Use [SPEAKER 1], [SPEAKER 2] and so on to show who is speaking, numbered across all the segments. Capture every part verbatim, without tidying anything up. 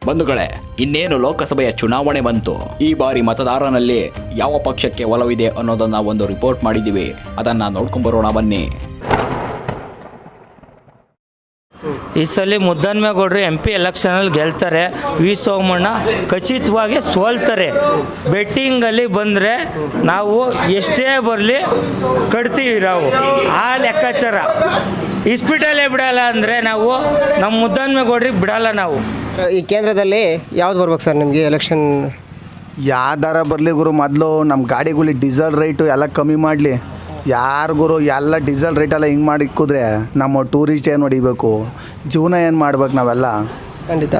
[SPEAKER 1] ಬಂಧುಗಳೇ, ಇನ್ನೇನು ಲೋಕಸಭೆಯ ಚುನಾವಣೆ ಬಂತು. ಈ ಬಾರಿ ಮತದಾರನಲ್ಲಿ ಯಾವ ಪಕ್ಷಕ್ಕೆ ಒಲವಿದೆ ಅನ್ನೋದನ್ನ ಒಂದು ರಿಪೋರ್ಟ್ ಮಾಡಿದ್ದೀವಿ. ಅದನ್ನ ನೋಡ್ಕೊಂಬರೋಣ ಬನ್ನಿ.
[SPEAKER 2] ಈ ಸಲ ಮುದ್ದನ್ಮೇಗೌಡರು ಎಂ ಪಿ ಎಲೆಕ್ಷನಲ್ಲಿ ಗೆಲ್ತಾರೆ. ವಿ ಸೋಮಣ್ಣ ಖಚಿತವಾಗಿ ಸೋಲ್ತಾರೆ. ಬೆಟ್ಟಿಂಗಲ್ಲಿ ಬಂದರೆ ನಾವು ಎಷ್ಟೇ ಬರಲಿ ಕಟ್ತೀವಿ ನಾವು, ಆ ಲೆಕ್ಕಾಚಾರ. ಇಸ್ಪಿಟಲೇ ಬಿಡಲ್ಲ ಅಂದರೆ ನಾವು ನಮ್ಮ ಮುದ್ದನ್ಮೇಗೌಡ್ರಿಗೆ ಬಿಡಲ್ಲ ನಾವು.
[SPEAKER 3] ಈ ಕೇಂದ್ರದಲ್ಲಿ ಯಾವ್ದು ಬರ್ಬೇಕು ಸರ್ ನಿಮಗೆ ಎಲೆಕ್ಷನ್?
[SPEAKER 4] ಯಾವ್ದಾರ ಬರಲಿ ಗುರು, ಮೊದಲು ನಮ್ಮ ಗಾಡಿಗಳಿಗೆ ಡೀಸೆಲ್ ರೇಟು ಎಲ್ಲ ಕಮ್ಮಿ ಮಾಡಲಿ. ಯಾರು ಗುರು ಎಲ್ಲ ಡೀಸೆಲ್ ರೇಟೆಲ್ಲ ಹಿಂಗೆ ಮಾಡಿ ಇಕ್ಕಿದ್ರೆ ನಮ್ಮ ಟೂರಿಸ್ಟ್ ಏನು ಹೊಡಿಬೇಕು, ಜೀವನ ಏನು ಮಾಡ್ಬೇಕು ನಾವೆಲ್ಲ?
[SPEAKER 3] ಖಂಡಿತ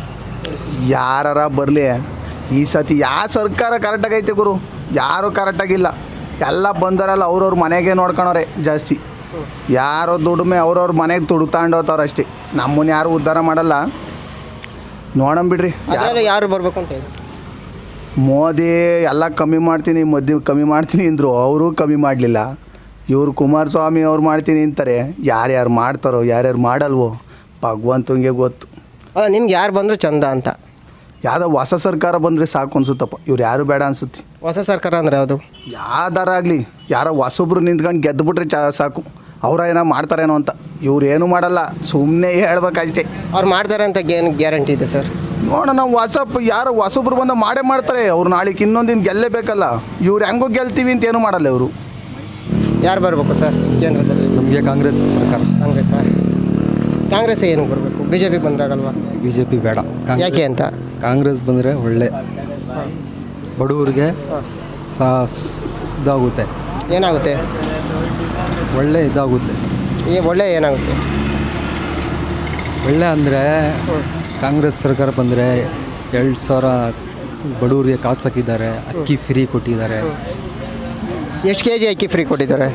[SPEAKER 4] ಯಾರ ಬರಲಿ. ಈ ಸತಿ ಯಾವ ಸರ್ಕಾರ ಕರೆಕ್ಟಾಗೈತೆ ಗುರು? ಯಾರೂ ಕರೆಕ್ಟಾಗಿಲ್ಲ. ಎಲ್ಲ ಬಂದವರೆಲ್ಲ ಅವ್ರವ್ರ ಮನೆಗೆ ನೋಡ್ಕೊಳೋರೆ ಜಾಸ್ತಿ. ಯಾರೋ ದುಡಿಮೆ ಅವ್ರವ್ರ ಮನೆಗೆ ತುಡುತಾಂಡೋತವ್ರು ಅಷ್ಟೇ. ನಮ್ಮನ್ನ ಯಾರು ಉದ್ಧಾರ ಮಾಡಲ್ಲ. ನೋಡಂಬಿಡ್ರಿ
[SPEAKER 3] ಯಾರು ಬರಬೇಕು ಅಂತ ಹೇಳಿ.
[SPEAKER 4] ಮೋದಿ ಎಲ್ಲ ಕಮ್ಮಿ ಮಾಡ್ತೀನಿ, ಮದ್ದೆ ಕಮ್ಮಿ ಮಾಡ್ತೀನಿ ಅಂದರು, ಅವರು ಕಮ್ಮಿ ಮಾಡಲಿಲ್ಲ. ಇವರು ಕುಮಾರಸ್ವಾಮಿ ಅವ್ರು ಮಾಡ್ತೀನಿ ಅಂತಾರೆ. ಯಾರ್ಯಾರು ಮಾಡ್ತಾರೋ ಯಾರ್ಯಾರು ಮಾಡಲ್ವೋ ಭಗವಂತಂಗೆ ಗೊತ್ತು.
[SPEAKER 3] ಅಲ್ಲ, ನಿಮ್ಗೆ ಯಾರು ಬಂದರೂ ಚಂದ ಅಂತ?
[SPEAKER 4] ಯಾವುದೋ ಹೊಸ ಸರ್ಕಾರ ಬಂದರೆ ಸಾಕು ಅನ್ಸುತ್ತಪ್ಪ. ಇವ್ರು ಯಾರು ಬೇಡ ಅನ್ಸುತ್ತೆ.
[SPEAKER 3] ಹೊಸ ಸರ್ಕಾರ ಅಂದರೆ ಯಾವುದು?
[SPEAKER 4] ಯಾವ್ದಾರ ಆಗಲಿ, ಯಾರೋ ಹೊಸೊಬ್ರು ನಿಂತ್ಕೊಂಡು ಗೆದ್ದುಬಿಟ್ರೆ ಚ ಸಾಕು. ಅವ್ರ ಏನೋ ಮಾಡ್ತಾರೇನೋ ಅಂತ. ಇವ್ರು ಏನೂ ಮಾಡಲ್ಲ, ಸುಮ್ಮನೆ ಹೇಳ್ಬೇಕಷ್ಟೇ.
[SPEAKER 3] ಅವ್ರು ಮಾಡ್ತಾರೆ ಅಂತ ಏನು ಗ್ಯಾರಂಟಿ ಇದೆ ಸರ್?
[SPEAKER 4] ನೋಡೋಣ, ನಾವು ಹೊಸಪ್ಪ ಯಾರು ಹೊಸೊಬ್ರು ಬಂದು ಮಾಡೇ ಮಾಡ್ತಾರೆ. ಅವ್ರು ನಾಳೆಗೆ ಇನ್ನೊಂದಿನ ಗೆಲ್ಲೇಬೇಕಲ್ಲ. ಇವ್ರು ಹೆಂಗೋ ಗೆಲ್ತೀವಿ ಅಂತ ಏನೂ ಮಾಡಲ್ಲ ಇವರು.
[SPEAKER 3] ಯಾರು ಬರಬೇಕು ಸರ್ ಕೇಂದ್ರದಲ್ಲಿ?
[SPEAKER 5] ನಮಗೆ ಕಾಂಗ್ರೆಸ್ ಸರ್ಕಾರ.
[SPEAKER 3] ಕಾಂಗ್ರೆಸ್ ಸರ್. ಕಾಂಗ್ರೆಸ್ ಏನು ಬರಬೇಕು? ಬಿ ಜೆ ಪಿ ಬಂದ್ರಾಗಲ್ವಾ?
[SPEAKER 5] ಬಿ ಜೆ ಪಿ ಬೇಡ.
[SPEAKER 3] ಯಾಕೆ ಅಂತ?
[SPEAKER 5] ಕಾಂಗ್ರೆಸ್ ಬಂದರೆ ಒಳ್ಳೆ ಬಡವರಿಗೆ ಸಾ ಇದಾಗುತ್ತೆ.
[SPEAKER 3] ಏನಾಗುತ್ತೆ?
[SPEAKER 5] ಒಳ್ಳೆ ಇದಾಗುತ್ತೆ.
[SPEAKER 3] ಈ ಒಳ್ಳೆ ಏನಾಗುತ್ತೆ?
[SPEAKER 5] ಒಳ್ಳೆ ಅಂದರೆ ಕಾಂಗ್ರೆಸ್ ಸರ್ಕಾರ ಬಂದರೆ ಎರಡು ಸಾವಿರ ಬಡವರಿಗೆ ಕಾಸು ಹಾಕಿದ್ದಾರೆ. ಅಕ್ಕಿ ಫ್ರೀ ಕೊಟ್ಟಿದ್ದಾರೆ.
[SPEAKER 3] ಎಷ್ಟು ಕೆ ಜಿ ಅಕ್ಕಿ ಫ್ರೀ ಕೊಟ್ಟಿದ್ದಾರೆ?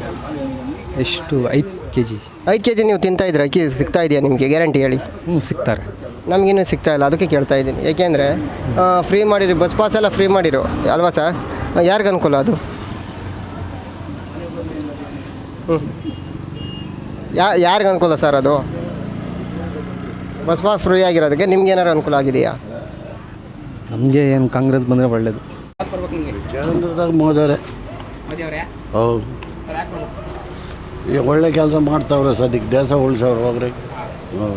[SPEAKER 5] ಎಷ್ಟು? ಐದು ಕೆ ಜಿ.
[SPEAKER 3] ಐದು ಕೆ ಜಿ ನೀವು ತಿಂತಾ ಇದ್ರೆ ಅಕ್ಕಿ ಸಿಗ್ತಾ ಇದೆಯಾ ನಿಮಗೆ? ಗ್ಯಾರಂಟಿ ಹೇಳಿ.
[SPEAKER 5] ಹ್ಞೂ, ಸಿಗ್ತಾರೆ.
[SPEAKER 3] ನಮಗಿನ್ನೂ ಸಿಗ್ತಾ ಇಲ್ಲ, ಅದಕ್ಕೆ ಕೇಳ್ತಾ ಇದ್ದೀನಿ. ಏಕೆಂದರೆ ಫ್ರೀ ಮಾಡಿರಿ, ಬಸ್ ಪಾಸ್ ಎಲ್ಲ ಫ್ರೀ ಮಾಡಿರೋ ಅಲ್ವಾ ಸರ್? ಯಾರಿಗೆ ಅನುಕೂಲ ಅದು? ಹ್ಞೂ, ಯಾ ಯಾರಿಗೆ ಅನುಕೂಲ ಸರ್ ಅದು? ಬಸ್ ಪಾಸ್ ಫ್ರೀ ಆಗಿರೋದಕ್ಕೆ ನಿಮ್ಗೆ ಏನಾರು ಅನುಕೂಲ ಆಗಿದೆಯಾ?
[SPEAKER 5] ನಮಗೆ ಏನು ಕಾಂಗ್ರೆಸ್ ಬಂದರೆ ಒಳ್ಳೆಯದು.
[SPEAKER 6] ಕೇಂದ್ರದಾಗ ಮೋದಿಯವರೇ. ಹೌದು, ಈಗ ಒಳ್ಳೆ ಕೆಲಸ ಮಾಡ್ತಾವ್ರೆ ಸದ್ಯಕ್ಕೆ. ದೇಶ ಉಳಿಸೋರು ಹೋಗ್ರಿ. ಹೌದು,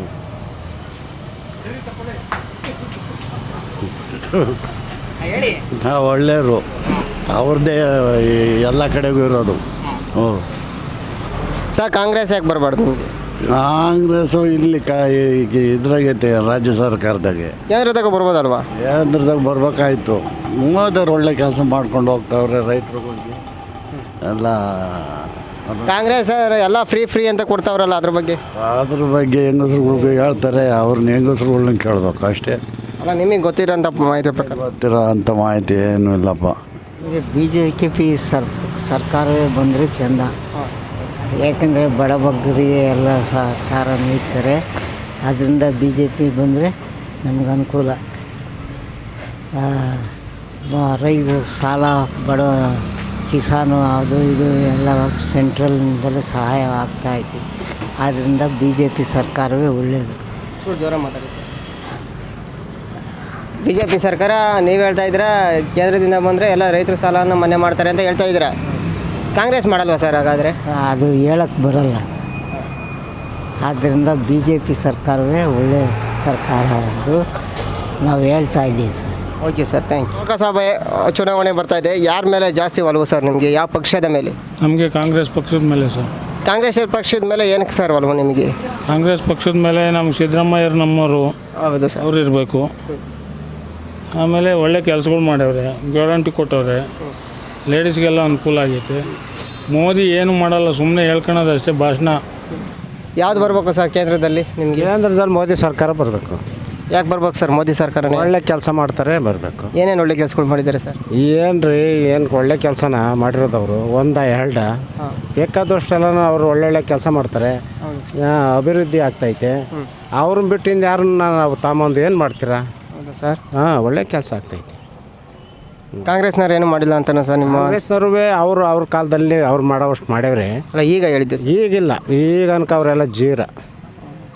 [SPEAKER 6] ಹಾಂ, ಒಳ್ಳೆಯವರು. ಅವ್ರದ್ದೇ ಎಲ್ಲ ಕಡೆಗೂ ಇರೋದು. ಹ್ಞೂ
[SPEAKER 3] ಸರ್, ಕಾಂಗ್ರೆಸ್ ಯಾಕೆ ಬರಬಾರ್ದು ನಿಮಗೆ?
[SPEAKER 6] ಕಾಂಗ್ರೆಸ್ಸು ಇಲ್ಲಿ ಕಾ ಇದ್ರಾಗೈತೆ ರಾಜ್ಯ ಸರ್ಕಾರದಾಗೆ.
[SPEAKER 3] ಕೇಂದ್ರದಾಗ ಬರ್ಬೋದಲ್ವಾ?
[SPEAKER 6] ಕೇಂದ್ರದಾಗ ಬರ್ಬೇಕಾಯ್ತು. ಮೋದಿಯವ್ರು ಒಳ್ಳೆ ಕೆಲಸ ಮಾಡ್ಕೊಂಡು ಹೋಗ್ತಾವ್ರೆ ರೈತರುಗಳಿಗೆ ಎಲ್ಲ.
[SPEAKER 3] ಕಾಂಗ್ರೆಸ್ ಎಲ್ಲ ಫ್ರೀ ಫ್ರೀ ಅಂತ ಕೊಡ್ತಾವ್ರಲ್ಲ, ಅದ್ರ ಬಗ್ಗೆ?
[SPEAKER 6] ಅದ್ರ ಬಗ್ಗೆ ಹೆಂಗಸ್ರುಗಳಿಗೆ ಹೇಳ್ತಾರೆ, ಅವ್ರನ್ನ ಹೆಂಗಸ್ರುಗಳನ್ನ ಕೇಳಬೇಕು ಅಷ್ಟೇ.
[SPEAKER 3] ಅಲ್ಲ, ನಿಮಗೆ ಗೊತ್ತಿರೋಂಥ ಮಾಹಿತಿ ಪ್ರಕಾರ?
[SPEAKER 6] ಗೊತ್ತಿರೋ ಅಂಥ ಮಾಹಿತಿ ಏನೂ ಇಲ್ಲಪ್ಪ.
[SPEAKER 7] ಬಿ ಜೆ ಪಿ ಸರ್ ಸರ್ಕಾರವೇ ಬಂದರೆ ಚೆಂದ. ಯಾಕಂದರೆ ಬಡಬಗ್ಗರಿಗೆ ಎಲ್ಲ ಸಹಕಾರ ನೀಡ್ತಾರೆ. ಅದರಿಂದ ಬಿ ಜೆ ಪಿ ಬಂದರೆ ನಮ್ಗೆ ಅನುಕೂಲ. ರೈತ ಸಾಲ, ಬಡ ಕಿಸಾನು ಅದು ಇದು ಎಲ್ಲ ಸೆಂಟ್ರಲ್ನಿಂದಲೇ ಸಹಾಯ ಆಗ್ತಾಯಿದೆ. ಆದ್ದರಿಂದ ಬಿ ಜೆ ಪಿ ಸರ್ಕಾರವೇ ಒಳ್ಳೆಯದು.
[SPEAKER 3] ಜೋರ ಮಾತಾಡಿ. ಬಿ ಜೆ ಪಿ ಸರ್ಕಾರ ನೀವು ಹೇಳ್ತಾ ಇದ್ದೀರಾ ಕೇಂದ್ರದಿಂದ ಬಂದರೆ ಎಲ್ಲ ರೈತರ ಸಾಲವನ್ನು ಮನ್ನಾ ಮಾಡ್ತಾರೆ ಅಂತ ಹೇಳ್ತಾ ಇದ್ದೀರಾ. ಕಾಂಗ್ರೆಸ್ ಮಾಡಲ್ವಾ ಸರ್ ಹಾಗಾದರೆ?
[SPEAKER 7] ಅದು ಹೇಳಕ್ಕೆ ಬರಲ್ಲ. ಆದ್ದರಿಂದ ಬಿ ಜೆ ಪಿ ಸರ್ಕಾರವೇ ಒಳ್ಳೆಯ ಸರ್ಕಾರ ಎಂದು ನಾವು ಹೇಳ್ತಾ ಇದ್ದೀವಿ sir.
[SPEAKER 3] Okay sir, thank you. ಲೋಕಸಭೆ ಚುನಾವಣೆ ಬರ್ತಾ ಇದೆ. ಯಾರ ಮೇಲೆ ಜಾಸ್ತಿ ಒಲವು ಸರ್ ನಿಮಗೆ? ಯಾವ ಪಕ್ಷದ ಮೇಲೆ?
[SPEAKER 8] ನಮಗೆ ಕಾಂಗ್ರೆಸ್ ಪಕ್ಷದ ಮೇಲೆ ಸರ್.
[SPEAKER 3] ಕಾಂಗ್ರೆಸ್ ಪಕ್ಷದ ಮೇಲೆ ಏನಕ್ಕೆ ಸರ್ ಒಲವು ನಿಮಗೆ?
[SPEAKER 8] ಕಾಂಗ್ರೆಸ್ ಪಕ್ಷದ ಮೇಲೆ ನಮ್ಮ ಸಿದ್ದರಾಮಯ್ಯರು ನಮ್ಮವರು.
[SPEAKER 3] ಹೌದು ಸರ್.
[SPEAKER 8] ಅವ್ರು ಇರಬೇಕು. ಆಮೇಲೆ ಒಳ್ಳೆ ಕೆಲಸಗಳು ಮಾಡ್ಯವ್ರೆ, ಗ್ಯಾರಂಟಿ ಕೊಟ್ಟವ್ರೆ, ಲೇಡೀಸ್ಗೆಲ್ಲ ಅನುಕೂಲ ಆಗೈತೆ. ಮೋದಿ ಏನು ಮಾಡಲ್ಲ, ಸುಮ್ಮನೆ ಹೇಳ್ಕೊಳೋದು ಅಷ್ಟೇ, ಭಾಷಣ.
[SPEAKER 3] ಯಾವ್ದು ಬರಬೇಕು ಸರ್ ಕೇಂದ್ರದಲ್ಲಿ ನಿಮಗೆ?
[SPEAKER 9] ಕೇಂದ್ರದಲ್ಲಿ ಮೋದಿ ಸರ್ಕಾರ ಬರಬೇಕು.
[SPEAKER 3] ಯಾಕೆ ಬರ್ಬೇಕು ಸರ್ ಮೋದಿ ಸರ್ಕಾರ?
[SPEAKER 9] ಒಳ್ಳೆ ಕೆಲಸ ಮಾಡ್ತಾರೆ, ಬರಬೇಕು.
[SPEAKER 3] ಏನೇನು ಒಳ್ಳೆ ಕೆಲಸಗಳು ಮಾಡಿದ್ದಾರೆ ಸರ್?
[SPEAKER 9] ಏನು ರೀ, ಏನು ಒಳ್ಳೆ ಕೆಲಸನ ಮಾಡಿರೋದವರು ಒಂದ ಎರಡ ಬೇಕಾದಷ್ಟೆಲ್ಲ ಅವರು ಒಳ್ಳೊಳ್ಳೆ ಕೆಲಸ ಮಾಡ್ತಾರೆ. ಅಭಿವೃದ್ಧಿ ಆಗ್ತೈತೆ. ಅವ್ರನ್ನ ಬಿಟ್ಟಿಂದ ಯಾರನ್ನ ನಾವು ತಾಮೊಂದು ಏನು ಮಾಡ್ತೀರಾ?
[SPEAKER 3] ಹೌದಾ ಸರ್?
[SPEAKER 9] ಹಾಂ, ಒಳ್ಳೆ ಕೆಲಸ ಆಗ್ತೈತೆ.
[SPEAKER 3] ಕಾಂಗ್ರೆಸ್ನವ್ರು ಏನು ಮಾಡಿಲ್ಲ ಅಂತಾನೆ ಸರ್ ನಿಮ್ಮ?
[SPEAKER 9] ಕಾಂಗ್ರೆಸ್ನವ್ರು ಅವರು ಅವ್ರ ಕಾಲದಲ್ಲಿ ಅವ್ರು ಮಾಡೋವಷ್ಟು ಮಾಡ್ಯವ್ರೆ.
[SPEAKER 3] ಅಲ್ಲ, ಈಗ ಹೇಳಿದ್ದೆ
[SPEAKER 9] ಈಗಿಲ್ಲ. ಈಗ ಅನ್ಕ ಅವರೆಲ್ಲ ಜೀರ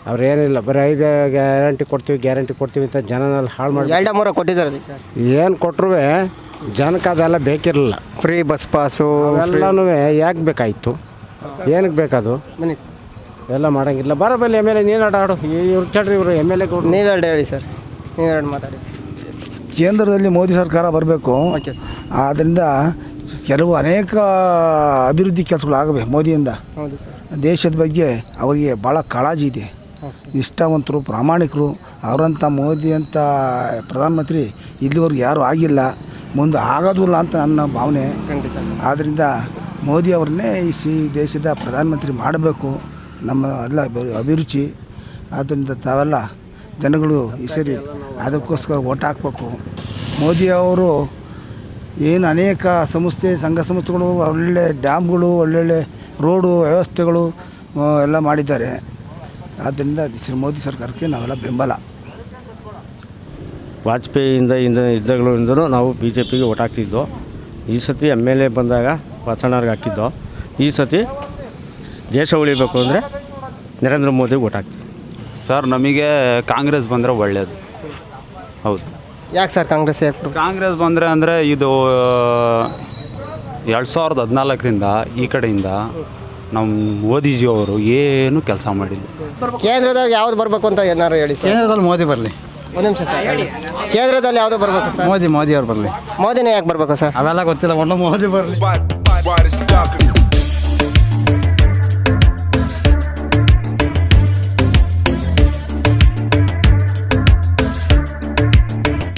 [SPEAKER 9] ಅವ್ರು ಏನಿಲ್ಲ ಬರೀ ಐದು ಗ್ಯಾರಂಟಿ ಕೊಡ್ತೀವಿ ಗ್ಯಾರಂಟಿ ಕೊಡ್ತೀವಿ ಅಂತ ಜನನಲ್ಲಿ ಹಾಳು ಮಾಡಿ
[SPEAKER 3] ಎರಡ ಮೂರ ಕೊಟ್ಟಿದ್ದಾರಲ್ಲ ಸರ್.
[SPEAKER 9] ಏನು ಕೊಟ್ಟರು ಜನಕ್ಕೆ ಅದೆಲ್ಲ ಬೇಕಿರಲಿಲ್ಲ.
[SPEAKER 3] ಫ್ರೀ ಬಸ್ ಪಾಸು
[SPEAKER 9] ಅವೆಲ್ಲನೂ ಯಾಕೆ ಬೇಕಾಯಿತು, ಏನಕ್ಕೆ ಬೇಕದು
[SPEAKER 3] ಬನ್ನಿ ಸರ್.
[SPEAKER 9] ಎಲ್ಲ ಮಾಡೋಂಗಿಲ್ಲ. ಬರಬಲ್ಲಿ ಎಮ್ ಎಲ್ ಎ ನೀನು ಆಡಾಡು ಇವ್ರು ಚಡ್ರಿ ಇವರು ಎಮ್ ಎಲ್ ಎ ಕೊಡು.
[SPEAKER 3] ನೀವೆರಡು ಹೇಳಿ ಸರ್, ನೀವೆರಡು ಮಾತಾಡಿ.
[SPEAKER 4] ಕೇಂದ್ರದಲ್ಲಿ ಮೋದಿ ಸರ್ಕಾರ ಬರಬೇಕು.
[SPEAKER 3] Okay sir.
[SPEAKER 4] ಆದ್ದರಿಂದ ಕೆಲವು ಅನೇಕ ಅಭಿವೃದ್ಧಿ ಕೆಲಸಗಳು ಆಗಬೇಕು ಮೋದಿಯಿಂದ.
[SPEAKER 3] ಹೌದು ಸರ್.
[SPEAKER 4] ದೇಶದ ಬಗ್ಗೆ ಅವರಿಗೆ ಭಾಳ ಕಾಳಜಿ ಇದೆ, ನಿಷ್ಠಾವಂತರು, ಪ್ರಾಮಾಣಿಕರು. ಅವರಂಥ ಮೋದಿ ಅಂತ ಪ್ರಧಾನಮಂತ್ರಿ ಇಲ್ಲಿವರೆಗೂ ಯಾರೂ ಆಗಿಲ್ಲ, ಮುಂದೆ ಆಗೋದಿಲ್ಲ ಅಂತ ನನ್ನ ಭಾವನೆ. ಆದ್ದರಿಂದ ಮೋದಿ ಅವ್ರನ್ನೇ ಈ ಸಿ ದೇಶದ ಪ್ರಧಾನಮಂತ್ರಿ ಮಾಡಬೇಕು, ನಮ್ಮ ಎಲ್ಲ ಅಭಿರುಚಿ. ಆದ್ದರಿಂದ ತಾವೆಲ್ಲ ಜನಗಳು ಈ ಸರಿ ಅದಕ್ಕೋಸ್ಕರ ಓಟ್ ಹಾಕಬೇಕು. ಮೋದಿ ಅವರು ಏನು ಅನೇಕ ಸಂಸ್ಥೆ ಸಂಘ ಸಂಸ್ಥೆಗಳು ಒಳ್ಳೆ ಡ್ಯಾಮ್ಗಳು ಒಳ್ಳೊಳ್ಳೆ ರೋಡು ವ್ಯವಸ್ಥೆಗಳು ಎಲ್ಲ ಮಾಡಿದ್ದಾರೆ. ಆದ್ದರಿಂದ ಶ್ರೀ ಮೋದಿ ಸರ್ಕಾರಕ್ಕೆ ನಾವೆಲ್ಲ ಬೆಂಬಲ.
[SPEAKER 9] ವಾಜಪೇಯಿಯಿಂದ ಇಂದ ಇದ್ದಾಗಳಿಂದಲೂ ನಾವು ಬಿ ಜೆ ಪಿಗೆ ಓಟ್ ಹಾಕ್ತಿದ್ದೋ. ಈ ಸತಿ ಎಮ್ ಎಲ್ ಎ ಬಂದಾಗ ಬಸಣ್ಣವ್ರಿಗೆ ಹಾಕಿದ್ದೋ. ಈ ಸತಿ ದೇಶ ಉಳಿಬೇಕು ಅಂದರೆ ನರೇಂದ್ರ ಮೋದಿಗೆ ಓಟ್ ಹಾಕ್ತೀವಿ.
[SPEAKER 10] ಸರ್ ನಮಗೆ ಕಾಂಗ್ರೆಸ್ ಬಂದರೆ ಒಳ್ಳೆಯದು. ಹೌದು.
[SPEAKER 3] ಯಾಕೆ ಸರ್ ಕಾಂಗ್ರೆಸ್ ಯಾಕೆ?
[SPEAKER 10] ಕಾಂಗ್ರೆಸ್ ಬಂದರೆ ಅಂದರೆ ಇದು ಎರಡು ಸಾವಿರದ ಹದಿನಾಲ್ಕರಿಂದ ಈ ಕಡೆಯಿಂದ ನಮ್ಮ ಮೋದಿಜಿ ಅವರು ಏನು ಕೆಲಸ ಮಾಡಿಲ್ಲ.
[SPEAKER 3] ಕೇಂದ್ರದಾಗ ಯಾವ್ದು ಬರಬೇಕು ಅಂತ ಏನಾರು ಹೇಳಿ ಸರ್.
[SPEAKER 6] ಕೇಂದ್ರದಲ್ಲಿ ಮೋದಿ ಬರಲಿ.
[SPEAKER 3] ಒಂದು ನಿಮಿಷ ಸರ್ ಹೇಳಿ. ಕೇಂದ್ರದಲ್ಲಿ ಯಾವುದು ಬರಬೇಕು ಸರ್?
[SPEAKER 6] ಮೋದಿ ಮೋದಿ ಅವ್ರು ಬರಲಿ.
[SPEAKER 3] ಮೋದಿನೇ ಯಾಕೆ ಬರಬೇಕು ಸರ್?
[SPEAKER 6] ಅವೆಲ್ಲ ಗೊತ್ತಿಲ್ಲ, ಒಳ್ಳೆ ಮೋದಿ ಬರಲಿ.